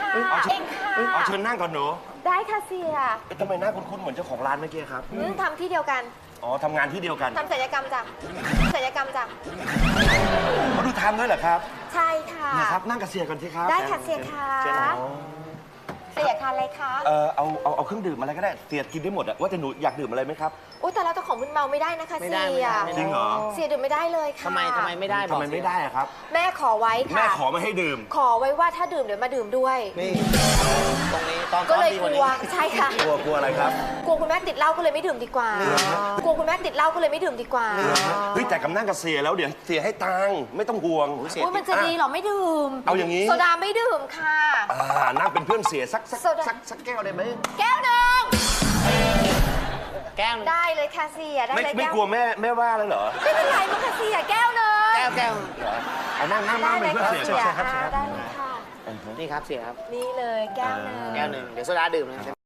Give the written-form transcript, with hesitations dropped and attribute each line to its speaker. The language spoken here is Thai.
Speaker 1: เองค่ะ
Speaker 2: เอาเชิญนั่งก่อนหนู
Speaker 1: ได้ค่ะเสีย
Speaker 2: ทำไมหน้าคุ้นๆเหมือนเจ้าของร้านเมื่อกี้ครับ
Speaker 1: ทำที่เดียวกัน
Speaker 2: อ๋อทำงานที่เดียวกัน
Speaker 1: ทำศัลยกรรมจ้ะศัลยกรรมจ้ะ
Speaker 2: เขาดูทำด้วยเหรอครับ
Speaker 1: ใช่ค่ะ
Speaker 2: นะครับนั่งกับเสียก่อนสิครับ
Speaker 1: ได้ค่ะเสียค่ะ
Speaker 2: เชิญนะ
Speaker 1: เสียอยากทานอะไรคะ
Speaker 2: เอาเครื่องดื่มอะไรก็ได้เสียกินได้หมดอะว่าแต่หนูอยากดื่มอะไรไหมครับ
Speaker 1: อุ้ยแต่เราเจ้าของมึนเมาไม่ได้นะคะ
Speaker 3: ไม่
Speaker 1: เสี
Speaker 3: ได้
Speaker 1: ย
Speaker 2: จริงเหรอ
Speaker 1: เสียดื่มไม่ได้เลยค่ะ
Speaker 3: ทำไมไม่ได้บอก
Speaker 2: ทำไมไม่ได้อะครับ
Speaker 1: แม่ขอไว้
Speaker 2: แม่
Speaker 1: ค่ะ
Speaker 2: ขอไม่ให้ดื่ม
Speaker 1: ขอไว้ว่าถ้าดื่มเดี๋ยวมาดื่มด้วย
Speaker 3: นี่ตรงนี้ตอน
Speaker 1: ก็เลย
Speaker 3: ดี
Speaker 1: ก
Speaker 3: กว่า
Speaker 1: ลั
Speaker 3: นี้
Speaker 1: วใช่ค่ะ
Speaker 2: กลัวอะไรครับ
Speaker 1: กลัวคุณแม่ติดเหล้าก็เลยไม่ดื่มดีกว่ากลัวคุณแม่ติดเหล้าก็เลยไม่ดื่มดีกว่า
Speaker 2: เฮ้ยแต่กำนั่งกับเสียแล้วเดี๋ยวเสียให้ตังค์ไม่ต้องห่วง
Speaker 1: อุ้ยมันจะดีเหรอไม่ดื่ม
Speaker 2: เอาอย่างนี้
Speaker 1: โซดาไม่ดื่มค่ะ
Speaker 2: นั่งเป็นเพื่อนเสียสัก
Speaker 1: โซดา
Speaker 2: แก้วได้ไหม
Speaker 1: แก้วหนึ่ง
Speaker 3: แก้วหนึ่ง
Speaker 1: ได้เลยค่ะเสียได้เลย
Speaker 2: ไม่
Speaker 1: แก้ว
Speaker 2: กลัวแม่ว่าเลยเหรอ
Speaker 1: ไม่เป็นไรมั้งค่ะเสียแก้วหนึ่ง
Speaker 3: แก้ว
Speaker 2: เอานั่ง
Speaker 1: ได้
Speaker 2: เป็
Speaker 1: เล
Speaker 2: น
Speaker 1: ย
Speaker 2: เพื่อน
Speaker 1: ค่ะ
Speaker 2: เสีย
Speaker 1: เสีย
Speaker 2: ครับ
Speaker 1: ได้เลยค่ะ
Speaker 3: นี่ครับเสียครับ
Speaker 1: นี่เลยแก้วหนึ่ง
Speaker 3: แก้วหนึ่งเดี๋ยวโซดาดื่มนะ